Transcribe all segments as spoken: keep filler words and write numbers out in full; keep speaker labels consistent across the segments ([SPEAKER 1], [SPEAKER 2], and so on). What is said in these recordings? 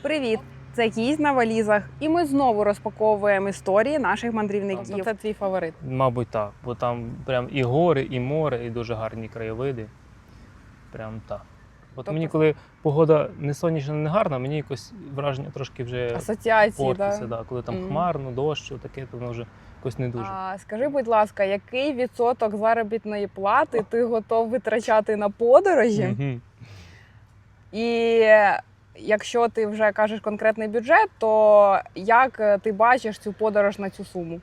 [SPEAKER 1] Привіт! Це «Гість на валізах», і ми знову розпаковуємо історії наших мандрівників. Це твій фаворит?
[SPEAKER 2] Мабуть, так. Бо там прям і гори, і море, і дуже гарні краєвиди. Прям так. От
[SPEAKER 1] Тобто...
[SPEAKER 2] мені, коли погода не сонячна, не гарна, мені якось враження трошки вже
[SPEAKER 1] асоціації,
[SPEAKER 2] портиться.
[SPEAKER 1] да?
[SPEAKER 2] Да. Коли там
[SPEAKER 1] mm.
[SPEAKER 2] хмарно, дощ, таке, то воно вже якось не дуже.
[SPEAKER 1] А, скажи, будь ласка, який відсоток заробітної плати ти готов витрачати на подорожі?
[SPEAKER 2] Mm-hmm.
[SPEAKER 1] І якщо ти вже кажеш конкретний бюджет, то як ти бачиш цю подорож на цю суму?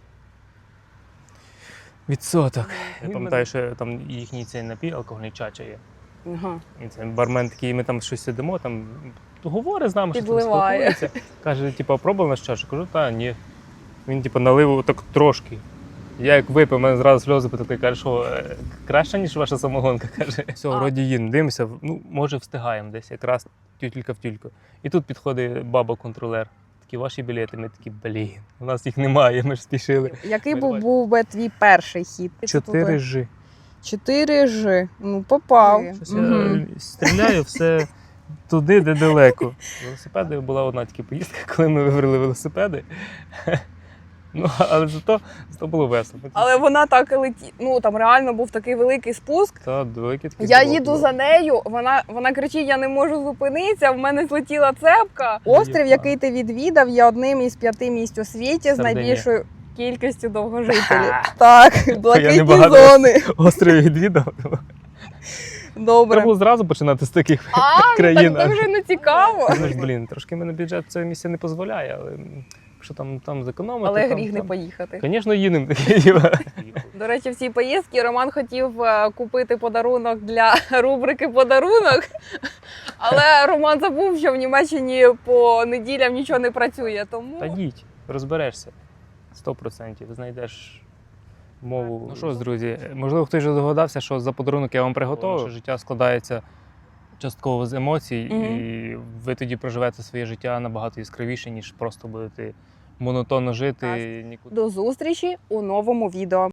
[SPEAKER 2] Відсоток. Я пам'ятаю, що там їхній цей напій алкогольний чача є.
[SPEAKER 1] Ага.
[SPEAKER 2] І це бармен такий, ми там щось сидимо, там говорить з нами, що там
[SPEAKER 1] Підливає.
[SPEAKER 2] спілкується. Каже, типу, пробував наш чашу? Кажу, та ні. Він типу налив так трошки. Я як випив, мене зразу сльози потекли. Каже, що краще, ніж ваша самогонка. Каже, все,
[SPEAKER 1] А.
[SPEAKER 2] вроді їм, дивимося, ну, може встигаємо десь, якраз тютілька в тюльку. І тут підходить баба-контролер. Такі, ваші білети, ми такі, блін, у нас їх немає, ми ж спішили.
[SPEAKER 1] Який був, був би твій перший хід?
[SPEAKER 2] чотири жі.
[SPEAKER 1] чотири жі. Ну, попав.
[SPEAKER 2] Щось угу. Я стріляю все туди, де далеко. Велосипеди була одна тільки поїздка, коли ми вибрали велосипеди. Ну, але зато, зато було весело.
[SPEAKER 1] Але вона так і летіла. Ну, там реально був такий великий спуск.
[SPEAKER 2] Та, великий такий
[SPEAKER 1] я
[SPEAKER 2] блок
[SPEAKER 1] їду
[SPEAKER 2] був.
[SPEAKER 1] за нею, вона, вона кричить, я не можу зупинитися, в мене злетіла цепка. Острів, який ти відвідав, є одним із п'яти місць у світі з
[SPEAKER 2] Сардинія.
[SPEAKER 1] найбільшою кількістю довгожителів. Так, блакитні
[SPEAKER 2] багато
[SPEAKER 1] зони.
[SPEAKER 2] Острів відвідав.
[SPEAKER 1] Добре.
[SPEAKER 2] Треба було зразу починати з таких
[SPEAKER 1] А,
[SPEAKER 2] країн.
[SPEAKER 1] так це вже не цікаво.
[SPEAKER 2] Ну ж, блін, трошки мене бюджет цієї місця не дозволяє, але якщо там, там зекономити...
[SPEAKER 1] Але
[SPEAKER 2] там,
[SPEAKER 1] гріх не
[SPEAKER 2] там...
[SPEAKER 1] поїхати.
[SPEAKER 2] Звісно, їдемо.
[SPEAKER 1] До речі, в цій поїздці Роман хотів е, купити подарунок для рубрики «Подарунок», але Роман забув, що в Німеччині по неділям нічого не працює, тому...
[SPEAKER 2] Та їдь, розберешся. Сто процентів знайдеш мову. Ну що ж, друзі, можливо, хтось вже догадався, що за подарунок я вам приготував. Наше життя складається частково з емоцій,
[SPEAKER 1] mm-hmm. і
[SPEAKER 2] ви тоді проживете своє життя набагато яскравіше, ніж просто будете монотонно жити.
[SPEAKER 1] До зустрічі у новому відео.